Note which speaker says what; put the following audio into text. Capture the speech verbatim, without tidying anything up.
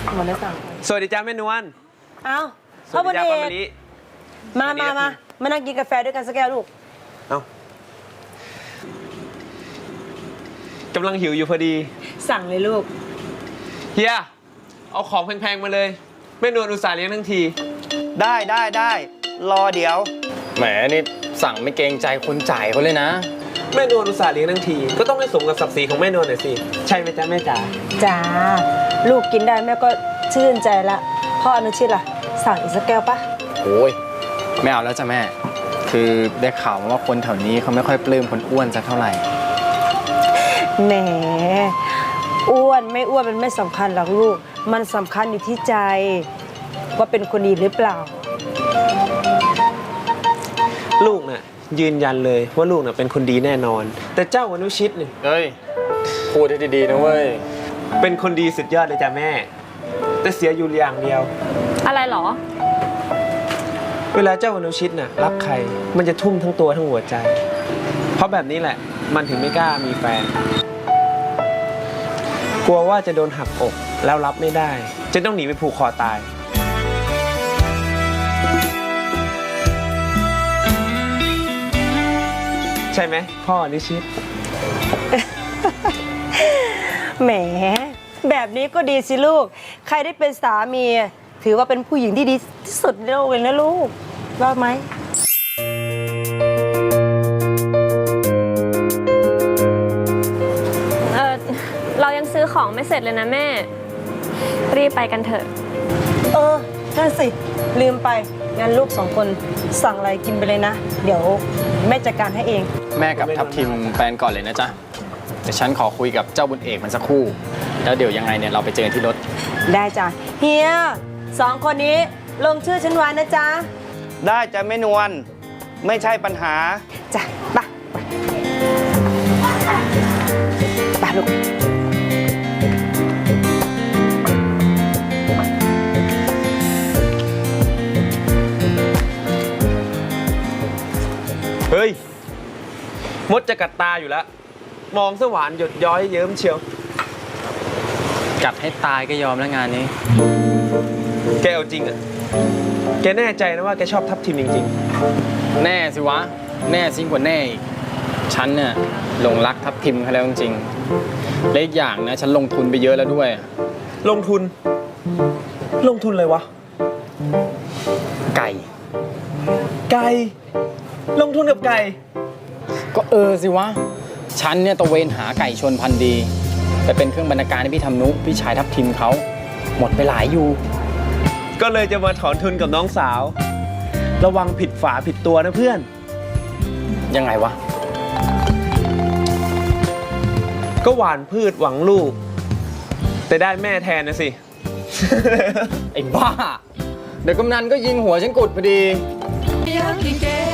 Speaker 1: หมดแล้วสั่ง
Speaker 2: สวัสดีจ้าแม่นวล
Speaker 1: อ้าว
Speaker 2: สวัสดีจ้าป้ามะลิ
Speaker 1: มามามามานั่งกินกาแฟด้วยกันสักแก้วลูก
Speaker 2: เอ้า กำลังหิวอยู่พอดี
Speaker 1: สั่งเลยลูก
Speaker 2: เฮียเอาของแพงๆมาเลยแม่นวลอุตส่าห์เลี้ยงทั้งที
Speaker 3: ได้ได้ได้รอเดี๋ยว
Speaker 4: แหมนี่สั่งไม่เกรงใจคนจ่ายเขาเลยนะ
Speaker 2: แม่นวลอุตส่าห์เลี้ยงทั้งทีก็ต้องให้สมกับศักดิ์ศรีของแม่นวลหน่อยสิใช่ไหมจ๊ะแม่จ๋า
Speaker 1: จ้าลูกกินได้แม่ก็ชื่นใจละพ่ออนุชิตล่ะสั่งอีกสักแก้วปะ
Speaker 4: โอ้ยไม่เอาแล้วจ้ะแม่คือได้ข่าวมาว่าคนแถวนี้เขาไม่ค่อยปลื้มคนอ้วนสักเท่าไหร่
Speaker 1: แหมอ้วนไม่อ้วนมันไม่สำคัญหรอกลูกมันสำคัญอยู่ที่ใจว่าเป็นคนดีหรือเปล่า
Speaker 2: ลูกน่ะยืนยันเลยว่าลูกน่ะเป็นคนดีแน่นอนแต่เจ้าอนุชิตเนี่ย
Speaker 4: เฮ้ยพูดให้ดีๆนะเว้ย
Speaker 2: เป็นคนดีสุดยอดเลยจ้ะแม่แต่เสียอยู่อย่างเดียว
Speaker 5: อะไรหรอ
Speaker 2: เวลาเจ้าอนุชิตน่ะรักใครมันจะทุ่มทั้งตัวทั้งหัวใจเพราะแบบนี้แหละมันถึงไม่กล้ามีแฟนกลัวว่าจะโดนหักอกแล้วรับไม่ได้จะต้องหนีไปผูกคอตายใช่ไหมพ่ออนุชิต
Speaker 1: แหมแบบนี้ก็ดีสิลูกใครได้เป็นสามีถือว่าเป็นผู้หญิงที่ดีที่สุดในโลกเลยนะลูกว่าไหม
Speaker 5: เออเรายังซื้อของไม่เสร็จเลยนะแม่รีบไปกันเถอะ
Speaker 1: เออนั่นสิลืมไปงั้นลูกสองคนสั่งอะไรกินไปเลยนะเดี๋ยวแม่จัดการให้เอง
Speaker 4: แม่กับทัพทิมแฟนก่อนเลยนะจ๊ะแต่ฉันขอคุยกับเจ้าบุญเอกมันสักครู่แล้วเดี๋ยวยังไงเนี่ยเราไปเจอกันที่รถ
Speaker 1: ได้จ้ะเฮียสองคนนี้ลงชื่อฉันไว้นะจ๊ะ
Speaker 3: ได้จ้ะแม่นวลไม่ใช่ปัญหา
Speaker 1: จ้ะไปไปลูก
Speaker 2: เฮ้ยมดจะกัดตาอยู่แล้วมองสว่านหยดย้อยเยิ้มเชียว
Speaker 4: กัดให้ตายก็ยอมแล้วงานนี้
Speaker 2: แกเอาจริงอ่ะแกแน่ใจนะว่าแกชอบทัพทีมจริง
Speaker 4: ๆแน่สิวะแน่ซิ่งกว่าแน่อีกฉันเนี่ยหลงรักทัพทิมเขาแล้วจริงๆและอีกอย่างนะฉันลงทุนไปเยอะแล้วด้วย
Speaker 2: ลงทุนลงทุนเลยวะ
Speaker 4: ไก่
Speaker 2: ไก่ลงทุนกับไก่
Speaker 4: ก็เออสิวะฉันเนี่ยตะเวนหาไก่ชนพันธุ์ดีไปเป็นเครื่องบรรณาการให้พี่ทำนุพี่ชายทัพทิมเขาหมดไปหลายอยู่
Speaker 2: ก็เลยจะมาถอนทุนกับน้องสาวระวังผิดฝาผิดตัวนะเพื่อน
Speaker 4: ยังไงวะ
Speaker 2: ก็หว่านพืชหวังลูกแต่ได้แม่แทนนะสิ
Speaker 4: ไอ้บ้าเดี๋ยวกำนันก็ยิงหัวฉันกุดพอดี